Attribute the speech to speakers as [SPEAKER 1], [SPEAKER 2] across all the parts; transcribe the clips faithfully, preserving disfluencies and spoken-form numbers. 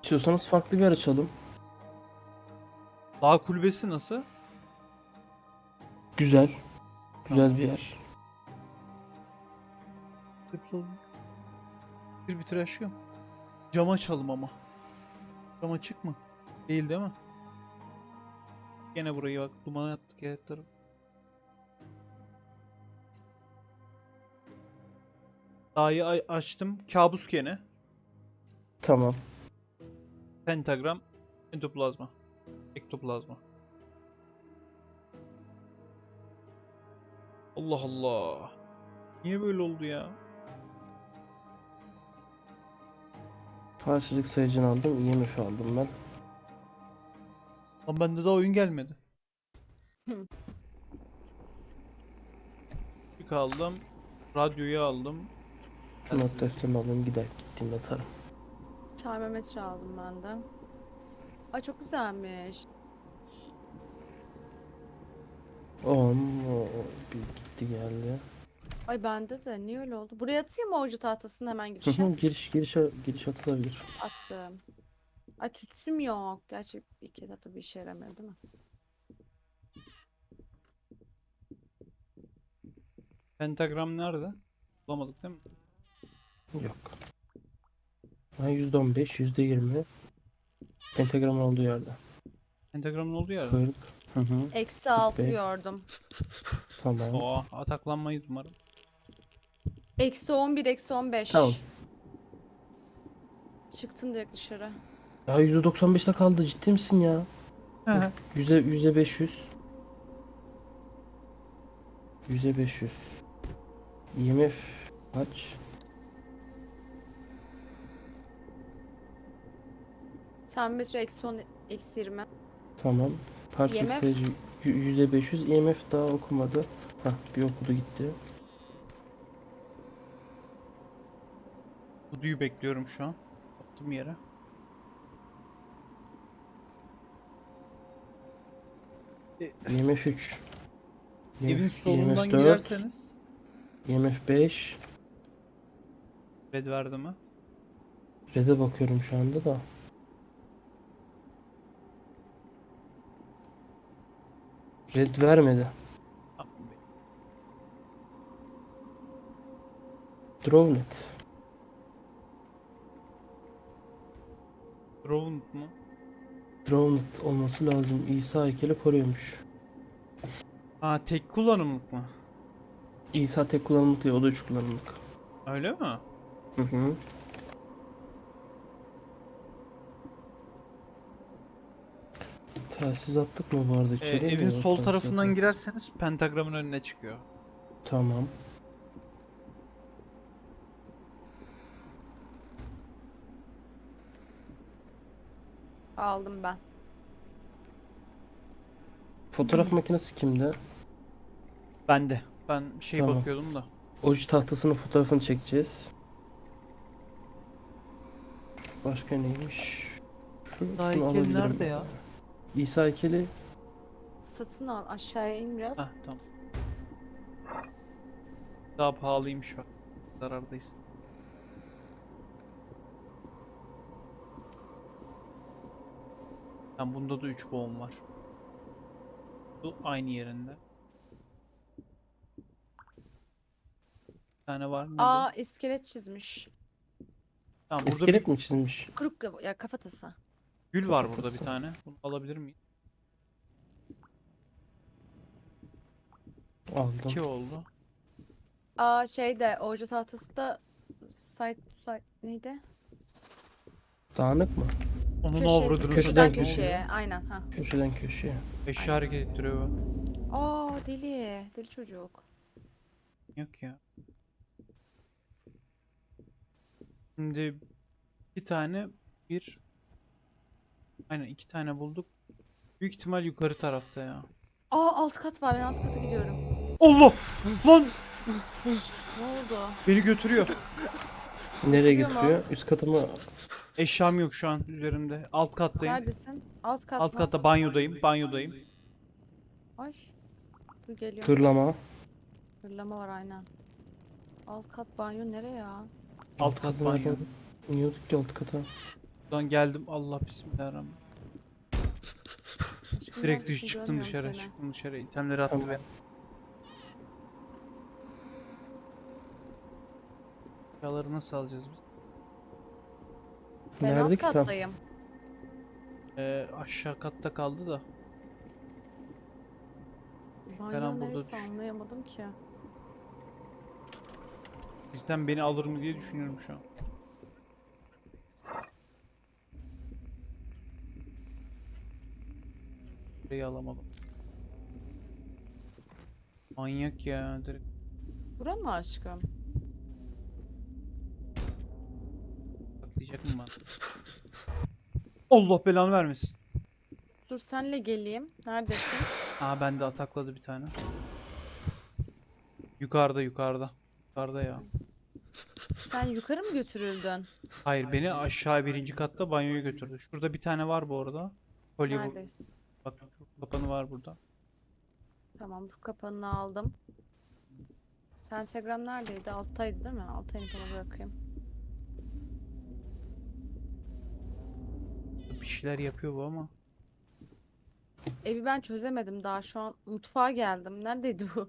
[SPEAKER 1] İstiyorsanız farklı bir yer açalım.
[SPEAKER 2] Dağ kulübesi nasıl?
[SPEAKER 1] Güzel. Güzel
[SPEAKER 2] Tamam.
[SPEAKER 1] bir yer.
[SPEAKER 2] Bir bitir aşkım. Cam açalım ama. Cam açık mı? Değil değil mi? Gene burayı bak duman attık her taraf. Dağı a- açtım. Kabus gene.
[SPEAKER 1] Tamam.
[SPEAKER 2] Pentagram. Entoplazma. Ektoplazma. Allah Allah. Niye böyle oldu ya?
[SPEAKER 1] Parçacık sayıcını aldım. I M F aldım ben.
[SPEAKER 2] Lan bende daha oyun gelmedi.
[SPEAKER 3] Hı.
[SPEAKER 2] Yük aldım. Radyoyu aldım.
[SPEAKER 1] Not defterini alayım. Gider gittiğimde atarım.
[SPEAKER 3] Termometre aldım ben de. Ay çok güzelmiş.
[SPEAKER 1] on. O, bir gitti geldi.
[SPEAKER 3] Ay bende de niye öyle oldu? Buraya atayım mı orucu tahtasını hemen
[SPEAKER 1] Hı
[SPEAKER 3] girişe?
[SPEAKER 1] hı, giriş giriş giriş atılabilir.
[SPEAKER 3] Attım. Ay tütsüm yok. Gerçi ilk etapta bir işe yaramıyor değil mi?
[SPEAKER 2] Pentagram nerede? Bulamadık değil mi?
[SPEAKER 1] Yok. Ha, yüzde on beş, yüzde yirmi. Pentagramın olduğu yerde.
[SPEAKER 2] Pentagramın olduğu yerde.
[SPEAKER 1] kırk. Hı hı.
[SPEAKER 3] Eksi altı
[SPEAKER 1] Be.
[SPEAKER 3] gördüm.
[SPEAKER 1] Tamam.
[SPEAKER 2] Oo, ataklanmayız umarım.
[SPEAKER 3] Eksi on bir, eksi on beş.
[SPEAKER 1] Tamam.
[SPEAKER 3] Çıktım direkt dışarı.
[SPEAKER 1] Ya yüzde doksan beşte kaldı. Ciddi misin ya? Yüzde yüzde beş yüz. Yüzde beş yüz. I M F kaç?
[SPEAKER 3] Termometre eksi on, eksi yirmi.
[SPEAKER 1] Tamam. Parçacık
[SPEAKER 3] I M F?
[SPEAKER 1] sayıcı y- yüzde beş yüz. I M F daha okumadı. Hah, bir okudu gitti.
[SPEAKER 2] Kuduyu bekliyorum şu an. Attım yere.
[SPEAKER 1] I M F üç.
[SPEAKER 2] Evin solundan
[SPEAKER 1] I M F dört.
[SPEAKER 2] girerseniz
[SPEAKER 1] I M F beş.
[SPEAKER 2] red verdi mi?
[SPEAKER 1] Red'e bakıyorum şu anda da. Red vermedi.
[SPEAKER 2] Tamam.
[SPEAKER 1] Drawnet.
[SPEAKER 2] Drowned mu?
[SPEAKER 1] Drawnet olması lazım. İsa heykeli koruyormuş.
[SPEAKER 2] Aa, tek kullanımlık mı?
[SPEAKER 1] İsa tek kullanımlık değil, o da üç kullanımlık.
[SPEAKER 2] Öyle mi?
[SPEAKER 1] Hı hı. Telsiz attık mı bu arada
[SPEAKER 2] Ee,
[SPEAKER 1] içeri?
[SPEAKER 2] evin
[SPEAKER 1] Yok,
[SPEAKER 2] sol
[SPEAKER 1] telsiz
[SPEAKER 2] tarafından
[SPEAKER 1] atmadık.
[SPEAKER 2] girerseniz pentagramın önüne çıkıyor.
[SPEAKER 1] Tamam.
[SPEAKER 3] Aldım ben.
[SPEAKER 1] Fotoğraf makinesi kimde?
[SPEAKER 2] Bende. Ben şey
[SPEAKER 1] Tamam.
[SPEAKER 2] bakıyordum da.
[SPEAKER 1] Oji tahtasının fotoğrafını çekeceğiz. Başka neymiş? Şu,
[SPEAKER 2] Daha
[SPEAKER 1] şunu
[SPEAKER 2] heykel
[SPEAKER 1] alabilirim.
[SPEAKER 2] nerede ya?
[SPEAKER 1] İsa heykeli
[SPEAKER 3] Satın al. Aşağıya in biraz.
[SPEAKER 2] Heh, tamam. Daha pahalıymış bak. Zarardayız. Yani bunda da üç boğum var. Bu aynı yerinde. Bir tane var ne
[SPEAKER 3] Aa
[SPEAKER 2] bu?
[SPEAKER 3] iskelet çizmiş.
[SPEAKER 2] Tamam, burada
[SPEAKER 1] iskelet
[SPEAKER 2] bir
[SPEAKER 1] mi çizmiş?
[SPEAKER 3] Kuruk kafa- ya kafatası.
[SPEAKER 2] gül var burada bir
[SPEAKER 1] Kafatası.
[SPEAKER 2] tane. Bunu alabilir miyim?
[SPEAKER 1] Aldım.
[SPEAKER 2] İki oldu.
[SPEAKER 3] Aa şeyde orucu tahtası da site, site neydi?
[SPEAKER 1] Dağınık mı?
[SPEAKER 2] Onun
[SPEAKER 3] Köşe,
[SPEAKER 2] avradını
[SPEAKER 1] Köşeden
[SPEAKER 3] köşeden
[SPEAKER 2] satayım, ne
[SPEAKER 1] köşeye.
[SPEAKER 3] köşeye.
[SPEAKER 2] oluyor?
[SPEAKER 3] Aynen ha.
[SPEAKER 1] Köşeden köşeye.
[SPEAKER 2] Eşya hareket ettiriyor bu.
[SPEAKER 3] Aa deli. Deli çocuk.
[SPEAKER 2] Yok ya. Şimdi iki tane bir aynen iki tane bulduk. Büyük ihtimal yukarı tarafta ya.
[SPEAKER 3] Aa alt kat var. Ben alt kata gidiyorum.
[SPEAKER 2] Allah! Lan!
[SPEAKER 3] Ne oldu?
[SPEAKER 2] Beni götürüyor.
[SPEAKER 1] Nereye
[SPEAKER 3] Götürüyor mu?
[SPEAKER 1] götürüyor? Üst katı mı?
[SPEAKER 2] Eşyam yok şu an üzerimde. Alt kattayım.
[SPEAKER 3] Neredesin? Alt kat
[SPEAKER 2] Alt
[SPEAKER 3] mı?
[SPEAKER 2] katta banyodayım. Banyodayım.
[SPEAKER 3] Ay. Dur geliyorum.
[SPEAKER 1] Tırlama.
[SPEAKER 3] Hırlama var aynen. Alt kat banyo nereye ya?
[SPEAKER 2] Alt kat
[SPEAKER 1] katı
[SPEAKER 2] banyo.
[SPEAKER 1] nereden? İniyorduk ki alt kata.
[SPEAKER 2] Buradan geldim. Allah bismillahirrahmanirrahim.
[SPEAKER 3] Aşkım
[SPEAKER 2] Direkt
[SPEAKER 3] neredesin?
[SPEAKER 2] dış çıktım
[SPEAKER 3] Görmüyorum
[SPEAKER 2] dışarı.
[SPEAKER 3] seni.
[SPEAKER 2] Çıktım dışarı. İtemleri attı
[SPEAKER 1] Tamam.
[SPEAKER 2] beni. Eşyaları nasıl alacağız biz?
[SPEAKER 3] Ben
[SPEAKER 1] Nerede
[SPEAKER 3] alt
[SPEAKER 1] ki tam?
[SPEAKER 3] kattayım.
[SPEAKER 2] Ee, aşağı katta kaldı da.
[SPEAKER 3] Banyo
[SPEAKER 2] burada
[SPEAKER 3] neresi
[SPEAKER 2] düştüm.
[SPEAKER 3] anlayamadım ki.
[SPEAKER 2] Bizden beni alır mı diye düşünüyorum şu an. Burayı alamadım. Manyak ya direkt.
[SPEAKER 3] Bura mı aşkım?
[SPEAKER 2] Patlayacak mı bana? Allah belanı vermesin.
[SPEAKER 3] Dur senle geleyim. Neredesin?
[SPEAKER 2] Aa bende atakladı bir tane. Yukarıda yukarıda. Yukarıda ya.
[SPEAKER 3] Sen yukarı mı götürüldün?
[SPEAKER 2] Hayır beni aşağı birinci katta banyoya götürdü. Şurada bir tane var bu arada. Kolye bu.
[SPEAKER 3] Nerede?
[SPEAKER 2] Bak kapanı var burada.
[SPEAKER 3] Tamam, bu kapanını aldım. Pentagram neredeydi? Alttaydı değil mi? Altta inip ona bırakayım.
[SPEAKER 2] Bir şeyler yapıyor bu ama.
[SPEAKER 3] Evi ben çözemedim daha. Şu an mutfağa geldim. Neredeydi bu?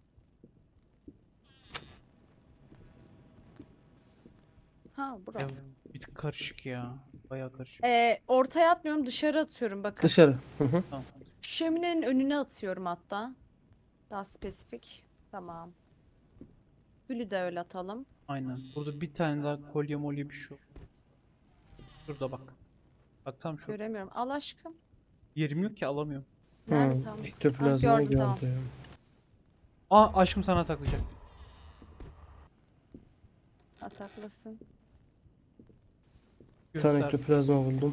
[SPEAKER 3] Ha, bura.
[SPEAKER 2] Ya, bir tık karışık ya. Bayağı karışık.
[SPEAKER 3] Ee, ortaya atmıyorum, dışarı atıyorum bakın.
[SPEAKER 1] Dışarı. Hı hı.
[SPEAKER 2] Tamam.
[SPEAKER 3] Şöminenin önüne atıyorum hatta. Daha spesifik. Tamam. Gülü de öyle atalım.
[SPEAKER 2] Aynen. Burada bir tane daha kolye molye bir şey yok. Şurada bak. Bak tam şu.
[SPEAKER 3] Göremiyorum. Al aşkım.
[SPEAKER 2] Yerim yok ki alamıyorum.
[SPEAKER 3] Nerede
[SPEAKER 1] Hı,
[SPEAKER 3] tam?
[SPEAKER 1] ektoplazma
[SPEAKER 3] Ha, gördüm,
[SPEAKER 1] gördüm.
[SPEAKER 3] tamam.
[SPEAKER 2] Aa aşkım sana taklayacak.
[SPEAKER 3] Ataklasın.
[SPEAKER 1] Bir tane
[SPEAKER 2] Göster.
[SPEAKER 1] ektoplazma buldum.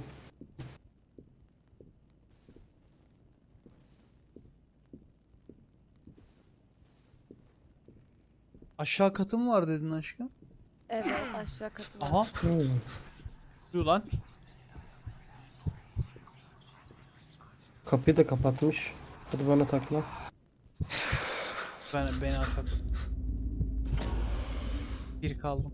[SPEAKER 2] Aşağı katı mı var dedin aşkım?
[SPEAKER 3] Evet, aşağı katı var.
[SPEAKER 2] Aha.
[SPEAKER 1] Hı.
[SPEAKER 2] Dur lan.
[SPEAKER 1] Kapıyı da kapatmış. Hadi bana takla.
[SPEAKER 2] Ben beni atakladı. Bir kaldım.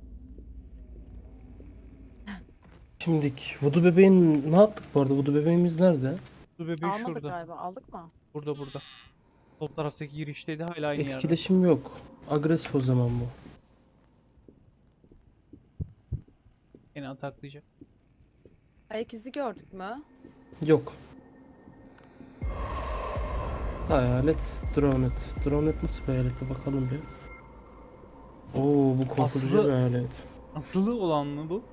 [SPEAKER 1] Şimdik. Vudu bebeğin ne yaptık bu arada? Vudu bebeğimiz nerede?
[SPEAKER 2] Dur bebeği
[SPEAKER 3] Almadık
[SPEAKER 2] şurada.
[SPEAKER 3] galiba. Aldık mı?
[SPEAKER 2] Burada burada. Sol taraftaki girişteydi hala aynı yerde.
[SPEAKER 1] Etkileşim yok. Agresif o zaman bu.
[SPEAKER 2] Yine ataklayacak.
[SPEAKER 3] Ayak izi gördük mü?
[SPEAKER 1] Yok. Hayalet. Dronet. Dronet nasıl bir hayalete bakalım bir. Oo, bu korkutucu
[SPEAKER 2] Aslı-
[SPEAKER 1] bir hayalet.
[SPEAKER 2] Asılı olan mı bu?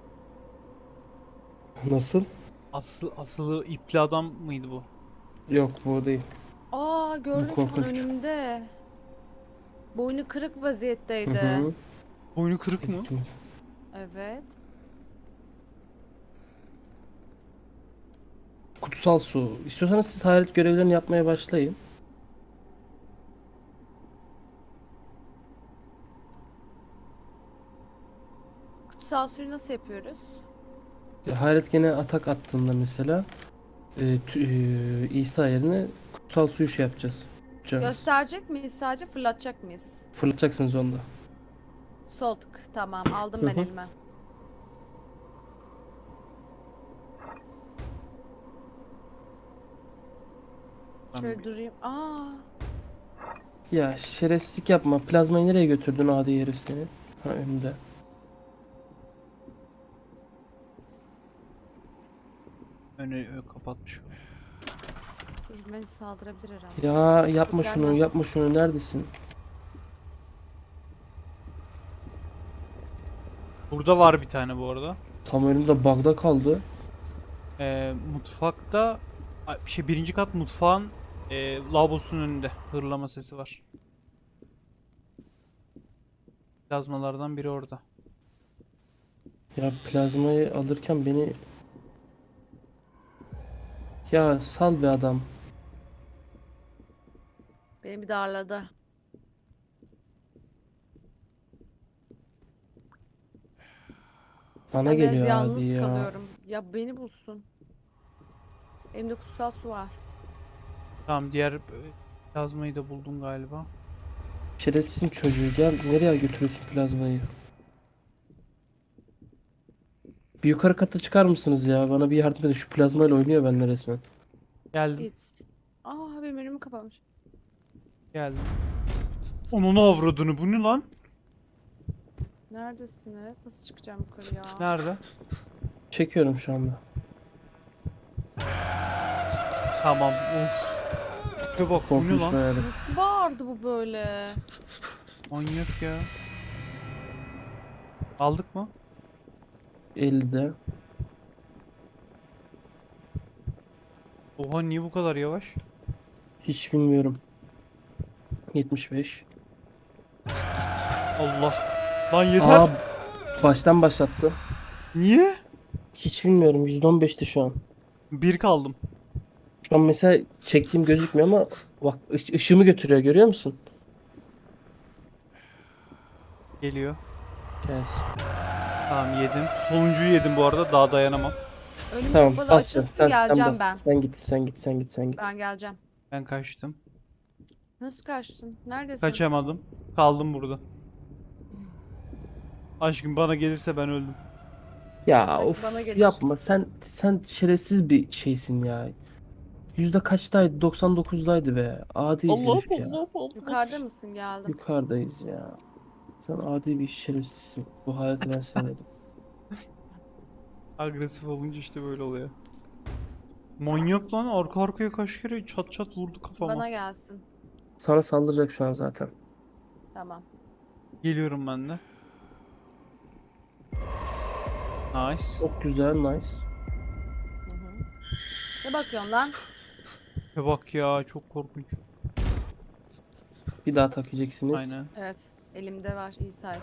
[SPEAKER 1] Nasıl?
[SPEAKER 2] Aslı asılı ipli adam mıydı bu?
[SPEAKER 1] Yok, bu değil.
[SPEAKER 3] Aa, gördüm şu an
[SPEAKER 1] korkunç.
[SPEAKER 3] önümde. Boynu kırık
[SPEAKER 1] Hı
[SPEAKER 3] vaziyetteydi.
[SPEAKER 1] hı.
[SPEAKER 2] Boynu kırık mı?
[SPEAKER 3] Evet.
[SPEAKER 1] Kutsal su. İstiyorsanız siz hayalet görevlerini yapmaya başlayın.
[SPEAKER 3] Kutsal suyu nasıl yapıyoruz?
[SPEAKER 1] Ya, hayalet gene atak attığında mesela e, tü- e, İsa yerine kutsal suyu şey yapacağız. Yapacağız.
[SPEAKER 3] Gösterecek miyiz sadece, fırlatacak mıyız?
[SPEAKER 1] Fırlatacaksınız onda.
[SPEAKER 3] Sol tık. Tamam, aldım
[SPEAKER 1] Hı
[SPEAKER 3] ben
[SPEAKER 1] hı.
[SPEAKER 3] elime.
[SPEAKER 2] Ben
[SPEAKER 3] Şöyle
[SPEAKER 2] bir-
[SPEAKER 3] durayım. Aa,
[SPEAKER 1] Ya şerefsizlik yapma. Plazmayı nereye götürdün adi herif seni? Ha, önümde.
[SPEAKER 2] Önü ö, kapatmış.
[SPEAKER 3] dur, beni saldırabilir herhalde.
[SPEAKER 1] Ya yapma
[SPEAKER 3] Dur,
[SPEAKER 1] şunu,
[SPEAKER 3] gelme.
[SPEAKER 1] yapma şunu. Neredesin?
[SPEAKER 2] Burada var bir tane bu arada.
[SPEAKER 1] Tam önümde bug'da kaldı.
[SPEAKER 2] Ee, mutfakta Ay, şey birinci kat mutfağın e, lavabosunun önünde hırlama sesi var. Plazmalardan biri orada.
[SPEAKER 1] Ya plazmayı alırken beni... Ya sal be adam.
[SPEAKER 3] Beni bir darladı.
[SPEAKER 1] Bana
[SPEAKER 3] Ben biraz
[SPEAKER 1] geliyor
[SPEAKER 3] yalnız
[SPEAKER 1] adi ya.
[SPEAKER 3] kalıyorum. Ya beni bulsun. Elimde kutsal su var.
[SPEAKER 2] Tamam diğer e, plazmayı da buldum galiba.
[SPEAKER 1] Şerefsizin çocuğu, gel nereye götürüyorsun plazmayı? Bir yukarı kata çıkar mısınız ya? Bana bir yardım edin. Şu plazmayla oynuyor benimle resmen.
[SPEAKER 2] Geldim.
[SPEAKER 3] It's. Aa benim önümü kapamış.
[SPEAKER 2] Geldim. Onun avradını, bu ne lan?
[SPEAKER 3] Neredesiniz? Nasıl çıkacağım yukarıya?
[SPEAKER 2] Nerede?
[SPEAKER 1] Çekiyorum şu anda.
[SPEAKER 2] Tamam. Of. Bir bak, bu ne
[SPEAKER 1] Korkunç
[SPEAKER 2] lan?
[SPEAKER 1] bayağı.
[SPEAKER 3] Nasıl bağırdı bu böyle?
[SPEAKER 2] Manyak ya. Aldık mı?
[SPEAKER 1] ellide.
[SPEAKER 2] Oha, niye bu kadar yavaş?
[SPEAKER 1] Hiç bilmiyorum. yetmiş beş.
[SPEAKER 2] Allah. Lan yeter.
[SPEAKER 1] Aa, baştan başlattı.
[SPEAKER 2] Niye?
[SPEAKER 1] Hiç bilmiyorum. yüzde on beşti şu an.
[SPEAKER 2] Bir kaldım.
[SPEAKER 1] Şu an mesela çektiğim gözükmüyor ama bak ış- ışığımı götürüyor, görüyor musun?
[SPEAKER 2] Geliyor.
[SPEAKER 1] Gelsin.
[SPEAKER 2] Tamam, yedim. Sonuncuyu yedim bu arada. Daha dayanamam.
[SPEAKER 3] Önüm
[SPEAKER 1] Tamam,
[SPEAKER 3] kapalı
[SPEAKER 1] bas sen,
[SPEAKER 3] açılsın
[SPEAKER 1] sen, sen
[SPEAKER 3] geleceğim
[SPEAKER 1] bas.
[SPEAKER 3] ben.
[SPEAKER 1] Sen git, sen git, sen git, sen git.
[SPEAKER 3] Ben geleceğim.
[SPEAKER 2] Ben kaçtım.
[SPEAKER 3] Nasıl kaçtın? Neredesin?
[SPEAKER 2] Kaçamadım. Kaldım burada. Aşkım, bana gelirse ben öldüm.
[SPEAKER 1] Ya
[SPEAKER 3] Belki
[SPEAKER 1] of,
[SPEAKER 3] bana gelir.
[SPEAKER 1] yapma. Sen sen şerefsiz bir şeysin ya. Yüzde kaçtaydı? doksan dokuzdaydı be. Adi
[SPEAKER 2] Allah
[SPEAKER 1] herif ya.
[SPEAKER 2] Allah Allah.
[SPEAKER 3] Yukarıda mısın? Geldim.
[SPEAKER 1] Yukarıdayız ya. Sen adi bir şerefsizsin. Bu hayatı ben sevmedim.
[SPEAKER 2] Agresif olunca işte böyle oluyor. Manyak lan, arka arkaya kaç kere çat çat vurdu kafama.
[SPEAKER 3] Bana gelsin.
[SPEAKER 1] Sana saldıracak şu an zaten.
[SPEAKER 3] Tamam.
[SPEAKER 2] Geliyorum ben de. Nice.
[SPEAKER 1] Çok güzel, nice.
[SPEAKER 3] Hı hı. Ne bakıyorsun lan?
[SPEAKER 2] Ve bak ya, çok korkunç.
[SPEAKER 1] Bir daha tak yiyeceksiniz.
[SPEAKER 2] Aynen.
[SPEAKER 3] Evet. Elimde var. İyi sakin.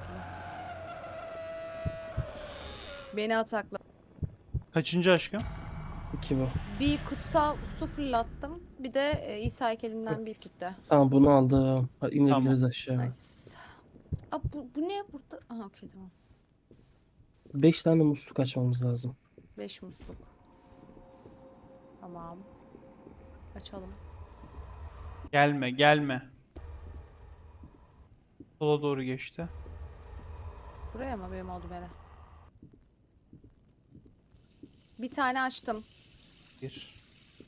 [SPEAKER 3] Beni atakla.
[SPEAKER 2] Kaçıncı aşkım?
[SPEAKER 1] İki bu.
[SPEAKER 3] Bir kutsal su fırlattım. Bir de e, İsa heykelinden bir ip gitti.
[SPEAKER 1] Tamam, bunu aldım. Ha, inebiliriz
[SPEAKER 2] Tamam.
[SPEAKER 1] aşağı.
[SPEAKER 3] Nice. Aa, bu, bu ne burada? Aha okey tamam.
[SPEAKER 1] Beş tane musluk açmamız lazım.
[SPEAKER 3] Beş musluk. Tamam. Açalım.
[SPEAKER 2] Gelme gelme. Sola doğru geçti.
[SPEAKER 3] Buraya mı benim oldu bere? Bir tane açtım.
[SPEAKER 2] Bir.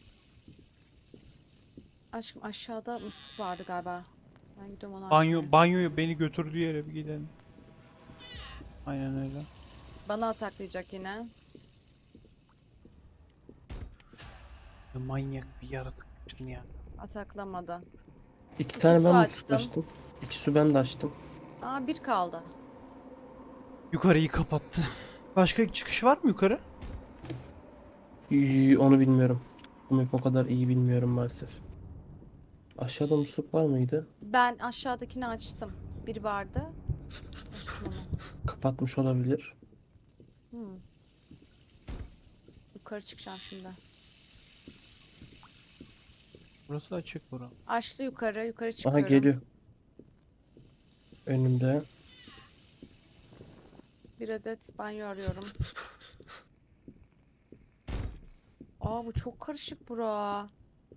[SPEAKER 3] Aşkım aşağıda musluk vardı galiba. Ben gidiyorum onu
[SPEAKER 2] Banyo,
[SPEAKER 3] açmaya.
[SPEAKER 2] banyoyu beni götürdüğü yere bir gidelim. Aynen öyle.
[SPEAKER 3] Bana ataklayacak yine.
[SPEAKER 2] Ya manyak bir yaratıksın ya.
[SPEAKER 3] Ataklamadı.
[SPEAKER 1] İki
[SPEAKER 3] İki
[SPEAKER 1] tane
[SPEAKER 3] su
[SPEAKER 1] ben musluk
[SPEAKER 3] açtım.
[SPEAKER 1] açtım. İki su ben de açtım.
[SPEAKER 3] Aa bir kaldı.
[SPEAKER 2] Yukarıyı kapattı. Başka çıkış var mı yukarı?
[SPEAKER 1] Ee, Onu bilmiyorum. Bu map o kadar iyi bilmiyorum maalesef. Aşağıda musluk var mıydı?
[SPEAKER 3] Ben aşağıdakini açtım. Bir vardı. Açtım onu.
[SPEAKER 1] Kapatmış olabilir.
[SPEAKER 3] Hmm. Yukarı çıkacağım şimdi.
[SPEAKER 2] Burası açık bura.
[SPEAKER 3] Açtı yukarı. Yukarı
[SPEAKER 1] Aha,
[SPEAKER 3] çıkıyorum.
[SPEAKER 1] geliyor. Önümde.
[SPEAKER 3] Bir adet banyo arıyorum. Aa bu çok karışık bura.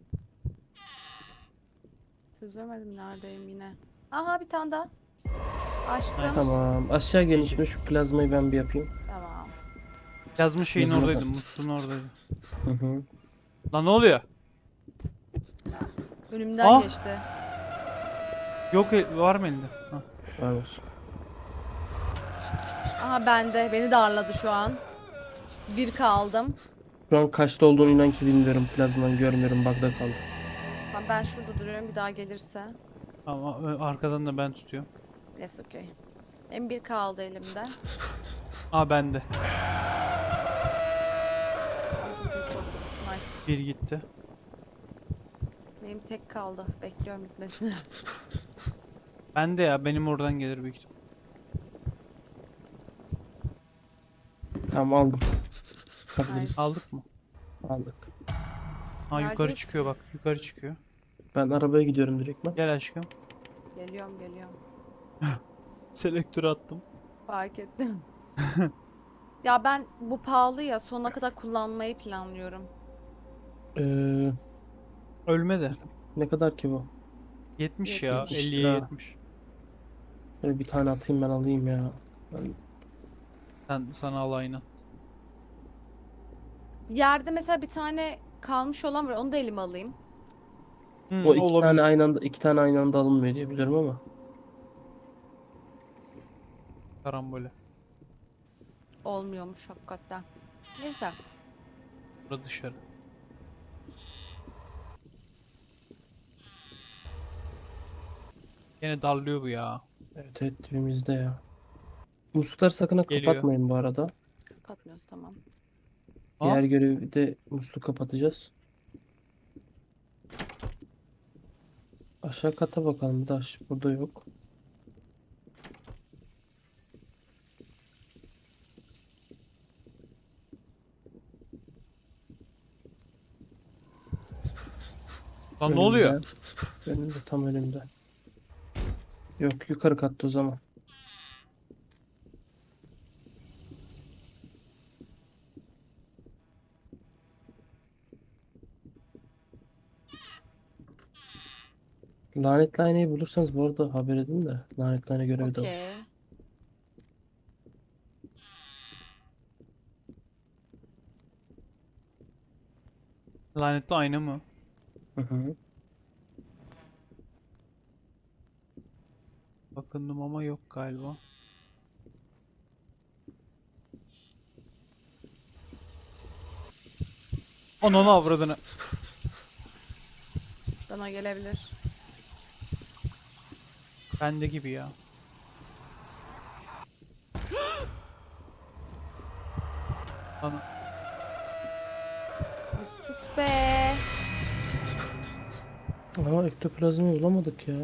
[SPEAKER 3] Çözemedim neredeyim yine. Aha bir tane daha. Açtım.
[SPEAKER 1] Tamam. Aşağı gelin şimdi, şu plazmayı ben bir yapayım.
[SPEAKER 3] Tamam.
[SPEAKER 2] Yazmış şeyin
[SPEAKER 1] Yazına
[SPEAKER 2] oradaydı.
[SPEAKER 1] bak.
[SPEAKER 2] Musluğun oradaydı.
[SPEAKER 1] Hı hı.
[SPEAKER 2] Lan ne oluyor?
[SPEAKER 3] Önümden
[SPEAKER 2] Ah!
[SPEAKER 3] geçti.
[SPEAKER 2] Yok, e, var mı elinde? Ha.
[SPEAKER 1] Var var.
[SPEAKER 3] Aha bende. Beni darladı şu an. Bir kaldım.
[SPEAKER 1] Şu an kaçta olduğunu inan ki bilmiyorum. Plazmayı görmüyorum. Bug'da kaldı.
[SPEAKER 3] Ha, ben şurada duruyorum. Bir daha gelirse.
[SPEAKER 2] Ama e, arkadan da ben tutuyorum.
[SPEAKER 3] Yes okay. Benim bir kaldı elimde.
[SPEAKER 2] Aa, bende.
[SPEAKER 3] Ay, çok büyük oldu. Nice.
[SPEAKER 2] Bir gitti.
[SPEAKER 3] Benim tek kaldı. Bekliyorum bitmesini.
[SPEAKER 2] Bende ya, benim oradan gelir büyük ihtimal.
[SPEAKER 1] Tamam, aldım. Bakabiliriz.
[SPEAKER 3] Nice.
[SPEAKER 2] Aldık mı?
[SPEAKER 1] Aldık.
[SPEAKER 2] Ha, yukarı
[SPEAKER 3] Neredeyiz
[SPEAKER 2] çıkıyor bak.
[SPEAKER 3] biz?
[SPEAKER 2] Yukarı çıkıyor.
[SPEAKER 1] Ben arabaya gidiyorum direkt ben.
[SPEAKER 2] Gel aşkım.
[SPEAKER 3] Geliyorum geliyorum.
[SPEAKER 2] Selektörü attım.
[SPEAKER 3] Fark ettim. Ya ben bu pahalı ya sonuna kadar kullanmayı planlıyorum.
[SPEAKER 1] Ee,
[SPEAKER 2] Ölme de.
[SPEAKER 1] Ne kadar ki bu?
[SPEAKER 2] yetmiş ya.
[SPEAKER 3] yetmiş
[SPEAKER 2] elliye
[SPEAKER 1] lira.
[SPEAKER 2] yetmiş.
[SPEAKER 1] Böyle bir tane atayım, ben alayım ya. Ben...
[SPEAKER 2] Sen sana al aynı.
[SPEAKER 3] Yerde mesela bir tane kalmış olan var. Onu da elime alayım.
[SPEAKER 2] Hmm,
[SPEAKER 1] O iki tane
[SPEAKER 2] olabilir.
[SPEAKER 1] aynı anda iki tane aynı anda alınmıyor diye biliyorum ama.
[SPEAKER 2] Karambole.
[SPEAKER 3] Olmuyormuş hakikaten. Neyse.
[SPEAKER 2] Burada dışarı. Yine darlıyor bu ya.
[SPEAKER 1] Evet evet dibimizde ya. Muslukları sakın ha
[SPEAKER 2] Geliyor.
[SPEAKER 1] kapatmayın bu arada.
[SPEAKER 3] Kapatmıyoruz, tamam.
[SPEAKER 1] Diğer
[SPEAKER 2] Aa,
[SPEAKER 1] görevi de musluk kapatacağız. Aşağı kata bakalım. Daş burada yok.
[SPEAKER 2] lan ne oluyor?
[SPEAKER 1] Önümde. Önümde tam önümde. Yok yukarı katta o zaman. Lanetli aynayı bulursanız bu arada haber edin de. Lanetli ayna görevi de var.
[SPEAKER 3] Okey.
[SPEAKER 2] Lanetli ayna mı?
[SPEAKER 1] Hı hı.
[SPEAKER 2] Bakındım ama yok galiba. Ananı avradını.
[SPEAKER 3] Bana gelebilir.
[SPEAKER 2] Bende gibi ya. Ana.
[SPEAKER 3] Bir sus be.
[SPEAKER 1] Aa ektoplazmayı bulamadık ya.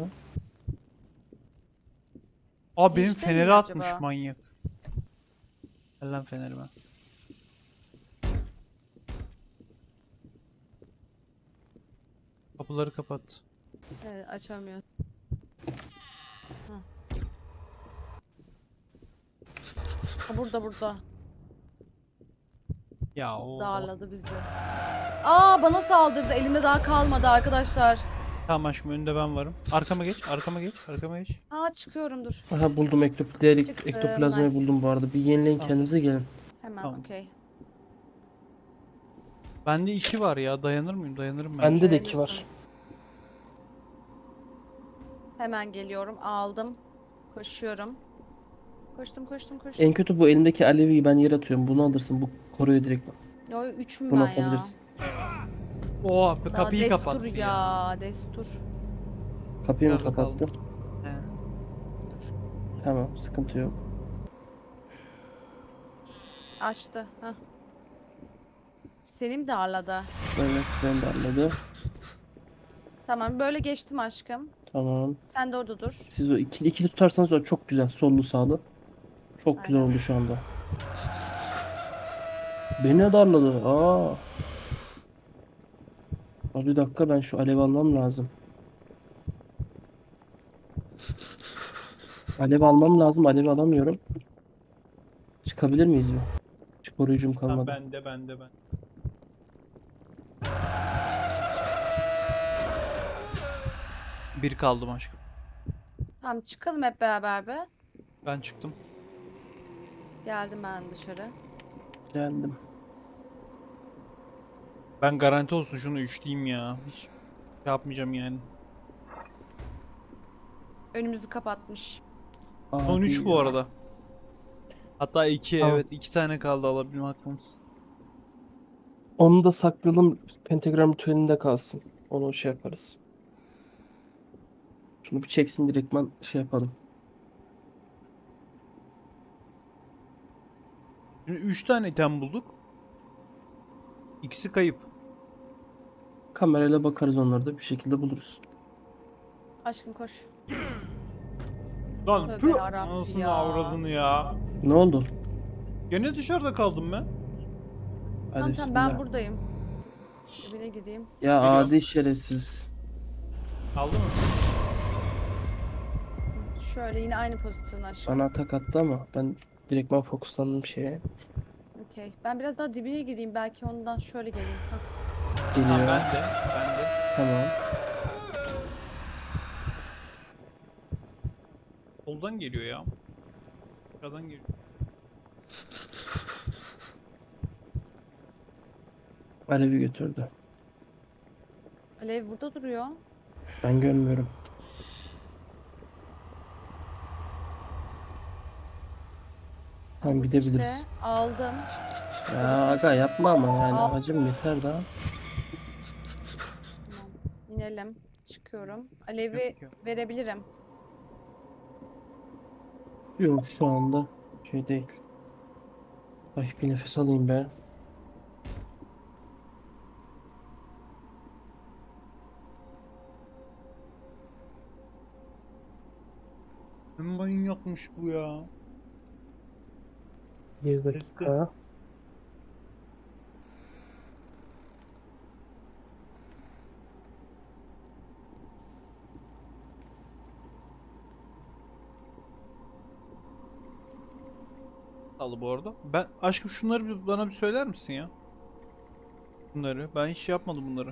[SPEAKER 2] Aa benim
[SPEAKER 3] Girişte
[SPEAKER 2] feneri
[SPEAKER 3] miydi
[SPEAKER 2] atmış
[SPEAKER 3] acaba?
[SPEAKER 2] manyak. Ver lan fenerime. Kapıları kapat.
[SPEAKER 3] Evet, açamıyorum. Ha. Ha, burada burada.
[SPEAKER 2] Ya o.
[SPEAKER 3] Darladı bizi. Aa, bana saldırdı. Elimde daha kalmadı arkadaşlar.
[SPEAKER 2] Tamam aşkım önünde ben varım. Arkama geç, arkama geç, arkama geç.
[SPEAKER 3] Aa, çıkıyorum, dur.
[SPEAKER 1] Aha buldum ektop diğer ek-
[SPEAKER 3] Çıktım,
[SPEAKER 1] ektoplazmayı
[SPEAKER 3] nice.
[SPEAKER 1] buldum bu arada. Bir yenileyin
[SPEAKER 2] Tamam.
[SPEAKER 1] kendinize gelin.
[SPEAKER 3] Hemen,
[SPEAKER 2] Tamam.
[SPEAKER 3] okey.
[SPEAKER 2] Bende iki var ya. Dayanır mıyım? Dayanırım bence.
[SPEAKER 1] Bende de iki var.
[SPEAKER 3] Dayanırsın. Hemen geliyorum. Aldım. Koşuyorum. Koştum koştum koştum.
[SPEAKER 1] En kötü bu elimdeki aleviyi ben yere atıyorum. Bunu alırsın. Bu koruyor direkt.
[SPEAKER 3] Yo, üçüm
[SPEAKER 1] Bunu
[SPEAKER 3] ben ya.
[SPEAKER 1] atabilirsin.
[SPEAKER 2] Oh,
[SPEAKER 3] Daha
[SPEAKER 2] kapıyı
[SPEAKER 3] destur
[SPEAKER 2] kapattı
[SPEAKER 3] ya.
[SPEAKER 2] ya.
[SPEAKER 3] Destur.
[SPEAKER 1] Kapıyı mı
[SPEAKER 2] Biraz da kaldı.
[SPEAKER 1] kapattın?
[SPEAKER 2] He.
[SPEAKER 3] Dur.
[SPEAKER 1] Tamam sıkıntı yok.
[SPEAKER 3] Açtı. Hah. Senin de arlada.
[SPEAKER 1] Evet ben de anladım.
[SPEAKER 3] Tamam, böyle geçtim aşkım.
[SPEAKER 1] Tamam.
[SPEAKER 3] Sen de orada dur.
[SPEAKER 1] Siz o ikili, ikili tutarsanız o çok güzel. Sollu sağlı. Çok güzel
[SPEAKER 3] Aynen.
[SPEAKER 1] oldu şu anda. Beni de darladı. Aa. Abi bir dakika ben şu alev almam lazım. Alev almam lazım. Alev alamıyorum. Çıkabilir miyiz mi? Hiç koruyucum
[SPEAKER 2] Tamam
[SPEAKER 1] kalmadı.
[SPEAKER 2] bende bende ben. Bir kaldım aşkım.
[SPEAKER 3] Tamam, çıkalım hep beraber be.
[SPEAKER 2] Ben çıktım.
[SPEAKER 3] Geldim ben dışarı.
[SPEAKER 1] Geldim.
[SPEAKER 2] Ben garanti olsun şunu üçleyeyim ya. Hiç şey yapmayacağım yani.
[SPEAKER 3] Önümüzü kapatmış.
[SPEAKER 2] Son üç
[SPEAKER 1] Abi
[SPEAKER 2] bu
[SPEAKER 1] ya.
[SPEAKER 2] arada. Hatta iki
[SPEAKER 1] Tamam.
[SPEAKER 2] evet iki tane kaldı alabilme hakkımız.
[SPEAKER 1] Onu da saklayalım. Pentagram ritüelinde kalsın. Onu şey yaparız. Şunu bir çeksin direktman şey yapalım.
[SPEAKER 2] Şimdi üç tane item bulduk. İkisi kayıp.
[SPEAKER 1] Kamerayla bakarız onları da bir şekilde buluruz.
[SPEAKER 3] Aşkım koş.
[SPEAKER 2] Lan
[SPEAKER 3] Tövbe
[SPEAKER 2] tüh!
[SPEAKER 3] yarabbi
[SPEAKER 2] Anasını
[SPEAKER 3] ya.
[SPEAKER 2] avradını ya.
[SPEAKER 1] Ne oldu?
[SPEAKER 2] Gene dışarıda kaldım ben.
[SPEAKER 1] Hadi
[SPEAKER 3] Tamam tamam, ben
[SPEAKER 1] bismillah.
[SPEAKER 3] buradayım. Dibine gireyim.
[SPEAKER 1] Ya
[SPEAKER 2] Geliyorum.
[SPEAKER 1] adi şerefsiz.
[SPEAKER 2] Kaldı mı?
[SPEAKER 3] Şöyle yine aynı pozisyon aşkım.
[SPEAKER 1] Bana atak attı ama ben direktman fokuslandım şeye.
[SPEAKER 3] Okey. Ben biraz daha dibine gireyim. Belki ondan şöyle geleyim. Hah.
[SPEAKER 2] Ha,
[SPEAKER 1] Geliyor.
[SPEAKER 2] ben de. Ben de.
[SPEAKER 1] Tamam.
[SPEAKER 2] Soldan geliyor ya. Aşağıdan geliyor.
[SPEAKER 1] Alevi götürdü.
[SPEAKER 3] Alev burada duruyor.
[SPEAKER 1] Ben görmüyorum. Tamam
[SPEAKER 3] İşte
[SPEAKER 1] gidebiliriz.
[SPEAKER 3] aldım.
[SPEAKER 1] Ya aga yapma ama yani
[SPEAKER 3] Al.
[SPEAKER 1] acım yeter daha.
[SPEAKER 3] Tamam. İnelim. Çıkıyorum.
[SPEAKER 2] Yok,
[SPEAKER 3] Alevi
[SPEAKER 2] yok.
[SPEAKER 3] verebilirim.
[SPEAKER 1] Yok şu anda şey değil. Ay bir nefes alayım be.
[SPEAKER 2] Ne manyakmış bu ya.
[SPEAKER 1] Bir
[SPEAKER 2] Gitti.
[SPEAKER 1] dakika.
[SPEAKER 2] Aldı bu arada. Ben aşkım şunları bir, bana bir söyler misin ya? Bunları. Ben hiç yapmadım bunları.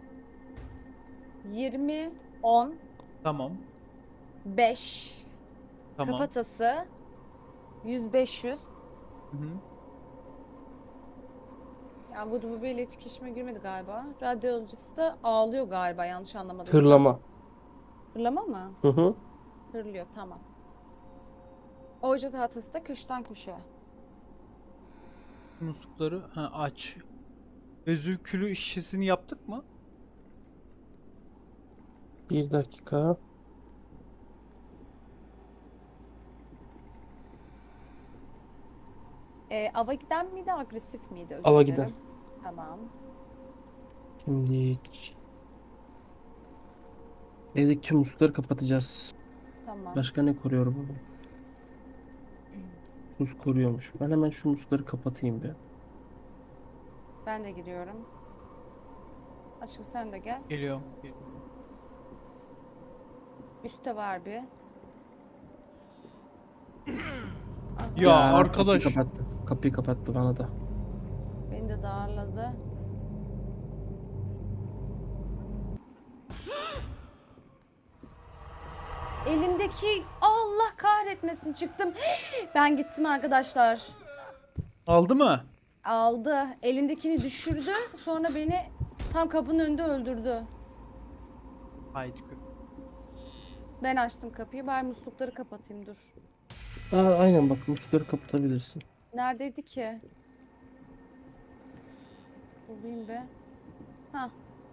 [SPEAKER 3] yirmi, on,
[SPEAKER 2] Tamam.
[SPEAKER 3] beş,
[SPEAKER 2] Tamam.
[SPEAKER 3] kafatası, yüz beş yüz.
[SPEAKER 2] Hı hı.
[SPEAKER 3] Ya bu bu böyle etkileşime girmedi galiba. Radyolojisi de ağlıyor galiba yanlış anlamadıysam.
[SPEAKER 1] Hırlama.
[SPEAKER 3] Hırlama mı?
[SPEAKER 1] Hı hı.
[SPEAKER 3] Hırlıyor tamam. Oje tahtası da köşeden köşeye.
[SPEAKER 2] Muslukları ha, aç. Vezükülü şişesini yaptık mı?
[SPEAKER 1] Bir dakika.
[SPEAKER 3] Ee, ava giden miydi agresif miydi özür
[SPEAKER 1] Ava
[SPEAKER 3] dilerim.
[SPEAKER 1] giden.
[SPEAKER 3] Tamam.
[SPEAKER 1] Şimdi evdeki tüm musluları kapatacağız.
[SPEAKER 3] Tamam.
[SPEAKER 1] Başka ne koruyor bunu? Tuz koruyormuş. Ben hemen şu musluları kapatayım bir.
[SPEAKER 3] Ben de giriyorum. Aşkım sen de gel.
[SPEAKER 2] Geliyorum. Geliyorum.
[SPEAKER 3] Üste var bir. Aha,
[SPEAKER 2] Ya
[SPEAKER 1] Kapıyı
[SPEAKER 2] arkadaş.
[SPEAKER 1] kapattı. Kapıyı kapattı bana da.
[SPEAKER 3] beni de darladı. Elimdeki Allah kahretmesin çıktım. Ben gittim arkadaşlar.
[SPEAKER 2] Aldı mı?
[SPEAKER 3] Aldı. Elimdekini düşürdü. Sonra beni tam kapının önünde öldürdü.
[SPEAKER 2] Haydi.
[SPEAKER 3] Ben açtım kapıyı. Bari muslukları kapatayım dur.
[SPEAKER 1] Aa, aynen bak musluları kapatabilirsin.
[SPEAKER 3] Neredeydi ki? Bulayım be. Ha.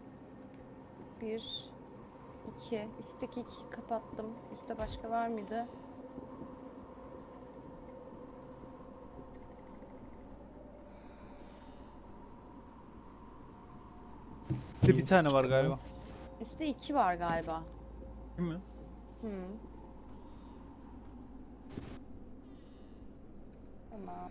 [SPEAKER 3] Bir, iki. Üstteki iki kapattım. Üstte başka var mıydı?
[SPEAKER 2] Bir de bir tane var galiba.
[SPEAKER 3] Üstte iki var galiba.
[SPEAKER 2] Değil mi?
[SPEAKER 3] Hı. Tamam.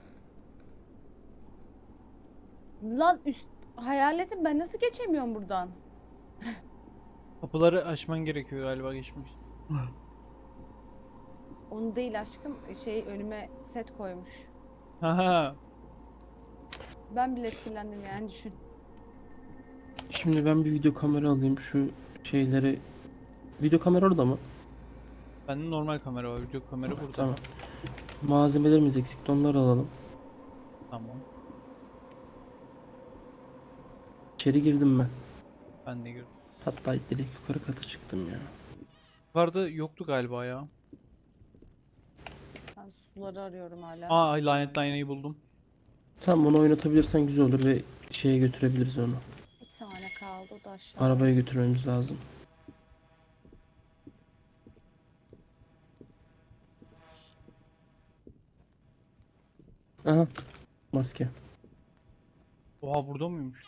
[SPEAKER 3] Lan üst hayaletim ben nasıl geçemiyorum buradan?
[SPEAKER 2] Kapıları açman gerekiyor galiba geçmek için.
[SPEAKER 3] Onu değil aşkım. Şey önüme set koymuş.
[SPEAKER 2] Haha.
[SPEAKER 3] Ben bile etkilendim yani düşün.
[SPEAKER 1] Şimdi ben bir video kamera alayım şu şeyleri. Video kamera orada mı?
[SPEAKER 2] Bende normal kamera var. Video kamera burada.
[SPEAKER 1] Tamam. Malzemelerimiz eksikti onları alalım.
[SPEAKER 2] Tamam.
[SPEAKER 1] İçeri girdim ben.
[SPEAKER 2] Ben de gördüm.
[SPEAKER 1] Hatta direkt yukarı kata çıktım ya.
[SPEAKER 2] Yukarıda yoktu galiba ya.
[SPEAKER 3] Ben suları arıyorum hala.
[SPEAKER 2] Aa lanetli aynayı buldum.
[SPEAKER 1] Tamam onu oynatabilirsen güzel olur ve şeye götürebiliriz onu.
[SPEAKER 3] Bir tane kaldı o da aşağıda.
[SPEAKER 1] Arabaya götürmemiz lazım. Aha maske.
[SPEAKER 2] Oha burada mıymış?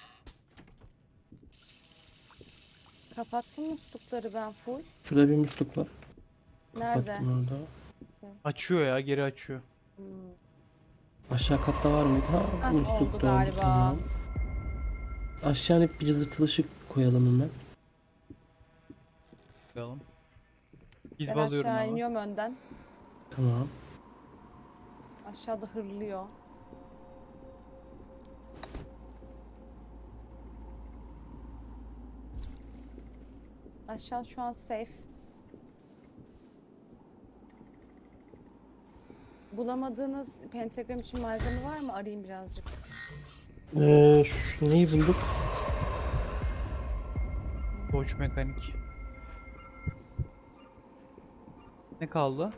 [SPEAKER 3] Kapattım muslukları ben full.
[SPEAKER 1] Şurada bir musluk var.
[SPEAKER 3] Nerede?
[SPEAKER 1] Kapattım orada.
[SPEAKER 2] Açıyor ya geri açıyor.
[SPEAKER 3] Hmm.
[SPEAKER 1] Aşağı katta var mıydı? Ha,
[SPEAKER 3] Hah,
[SPEAKER 1] musluk
[SPEAKER 3] oldu
[SPEAKER 1] da oldu,
[SPEAKER 3] galiba.
[SPEAKER 1] tamam. Aşağı inip bir cızırtılı ışık koyalım hemen.
[SPEAKER 2] Bakalım. Gidip
[SPEAKER 3] Ben
[SPEAKER 2] alıyorum
[SPEAKER 3] aşağı
[SPEAKER 2] ama.
[SPEAKER 3] iniyorum önden.
[SPEAKER 1] Tamam.
[SPEAKER 3] Aşağıda hırlıyor. Aşağı şu an safe. Bulamadığınız pentagram için malzeme var mı? Arayayım birazcık.
[SPEAKER 1] Ee, şu neyi bulduk?
[SPEAKER 2] Koç mekanik. Ne kaldı?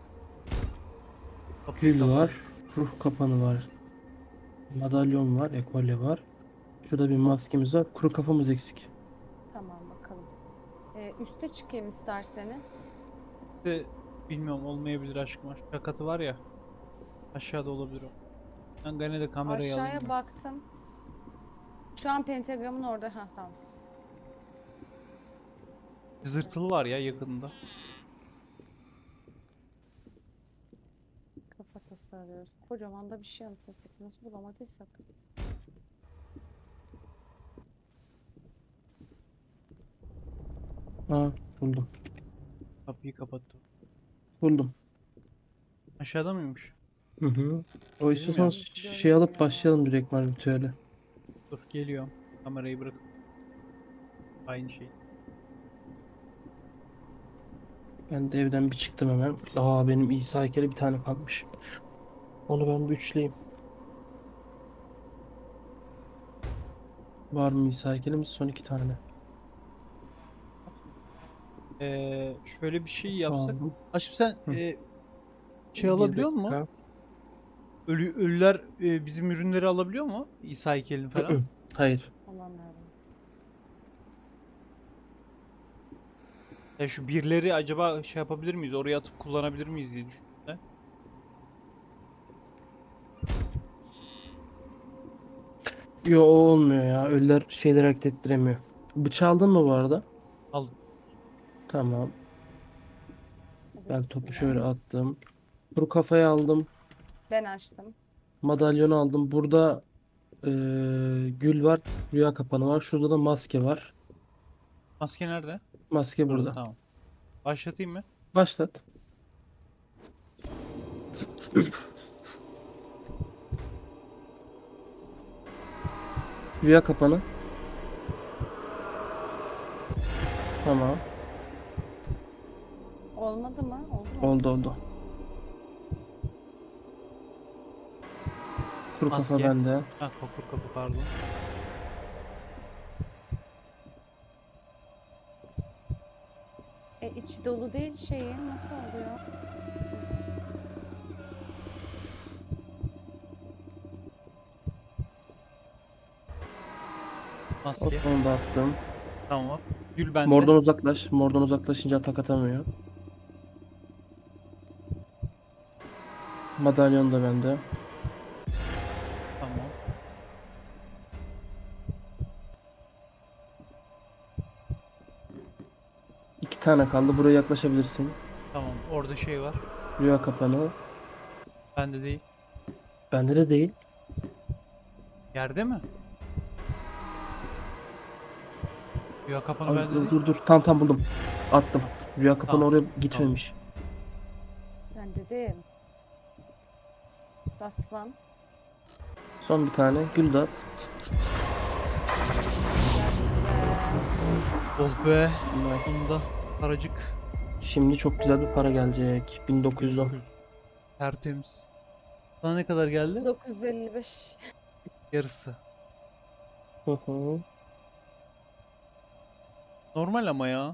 [SPEAKER 2] Kapıyı
[SPEAKER 1] Gül
[SPEAKER 2] kapat.
[SPEAKER 1] var. Ruh kapanı var. Madalyon var. Ekolye var. Şurada bir maskemiz var. Kuru kafamız eksik.
[SPEAKER 3] Tamam bakalım. Ee, üste çıkayım isterseniz.
[SPEAKER 2] İşte bilmiyorum, olmayabilir aşkım. Aşağı katı var ya. Aşağıda olabilir o. Ben gene de kamerayı alayım.
[SPEAKER 3] Aşağıya baktım. Şu an pentagramın orada. Ha tamam.
[SPEAKER 2] Zırtılı var ya yakında.
[SPEAKER 3] Kafatası arıyoruz. Kocaman da bir şey anasını satayım. Nasıl bulamadıysak.
[SPEAKER 1] Aa, buldum.
[SPEAKER 2] Kapıyı kapattım.
[SPEAKER 1] Buldum.
[SPEAKER 2] Aşağıda mıymış?
[SPEAKER 1] Hı hı. O
[SPEAKER 2] Dedim
[SPEAKER 1] istiyorsan
[SPEAKER 2] ya.
[SPEAKER 1] şey alıp başlayalım direkt ritüele.
[SPEAKER 2] Dur geliyorum. Kamerayı bırak. Aynı şey.
[SPEAKER 1] Ben de evden bir çıktım hemen. Aa, benim İsa heykeli bir tane kalmış. Onu ben bir üçleyeyim. Var mı İsa heykelimiz? Son iki tane.
[SPEAKER 2] Ee, şöyle bir şey yapsak.
[SPEAKER 1] Aldım.
[SPEAKER 2] Aşkım sen
[SPEAKER 1] Hı.
[SPEAKER 2] e, şey
[SPEAKER 1] Bir
[SPEAKER 2] alabiliyor musun?
[SPEAKER 1] dakika.
[SPEAKER 2] Ölü, ölüler e, bizim ürünleri alabiliyor mu? İsa heykelini
[SPEAKER 1] Hı
[SPEAKER 2] falan.
[SPEAKER 1] hı. Hayır.
[SPEAKER 3] Alamıyorum.
[SPEAKER 2] Ya şu birleri acaba şey yapabilir miyiz? Oraya atıp kullanabilir miyiz diye düşündüm de.
[SPEAKER 1] Yo, o olmuyor ya. Ölüler şeyler hareket ettiremiyor. Bıçağı aldın mı bu arada?
[SPEAKER 2] Al.
[SPEAKER 1] Tamam.
[SPEAKER 3] Hadi
[SPEAKER 1] Ben topu
[SPEAKER 3] bismillah.
[SPEAKER 1] şöyle attım. Kuru kafayı aldım.
[SPEAKER 3] Ben açtım.
[SPEAKER 1] Madalyonu aldım. Burada eee, gül var. Rüya kapanı var. Şurada da maske var.
[SPEAKER 2] Maske nerede?
[SPEAKER 1] Maske
[SPEAKER 2] Burada,
[SPEAKER 1] burada.
[SPEAKER 2] tamam. Başlatayım mı?
[SPEAKER 1] Başlat. Rüya kapanı. Tamam.
[SPEAKER 3] Olmadı mı? Oldu mu?
[SPEAKER 1] Oldu oldu. Kuru kafa
[SPEAKER 2] Maske.
[SPEAKER 1] bende.
[SPEAKER 2] Ha, kapı kapı pardon.
[SPEAKER 3] E içi dolu değil şeyin. Nasıl oluyor? Neyse.
[SPEAKER 1] Hop,
[SPEAKER 2] Maske.
[SPEAKER 1] onu da attım.
[SPEAKER 2] Tamam. Gül bende.
[SPEAKER 1] Mordan uzaklaş. Mordan uzaklaşınca atak atamıyor. Madalyon da bende.
[SPEAKER 2] Tamam.
[SPEAKER 1] İki tane kaldı. Buraya yaklaşabilirsin.
[SPEAKER 2] Tamam. Orada şey var.
[SPEAKER 1] Rüya kapanı.
[SPEAKER 2] Bende değil.
[SPEAKER 1] Bende de değil.
[SPEAKER 2] Yerde mi? Ya kapanı
[SPEAKER 1] Ay,
[SPEAKER 2] bende
[SPEAKER 1] dur
[SPEAKER 2] değil.
[SPEAKER 1] dur dur. Tam tam buldum. Attım. Rüya kapanı
[SPEAKER 2] Tamam,
[SPEAKER 1] oraya gitmemiş.
[SPEAKER 3] Ben dedim. Basmam.
[SPEAKER 1] Son bir tane. Gül de at.
[SPEAKER 2] Oh be.
[SPEAKER 1] Nice.
[SPEAKER 2] Bunda paracık.
[SPEAKER 1] Şimdi çok güzel bir para gelecek. bin dokuz yüz on.
[SPEAKER 2] Tertemiz. Sana ne kadar geldi?
[SPEAKER 3] dokuz yüz elli beş.
[SPEAKER 2] Yarısı.
[SPEAKER 1] Hı hı.
[SPEAKER 2] Normal ama ya.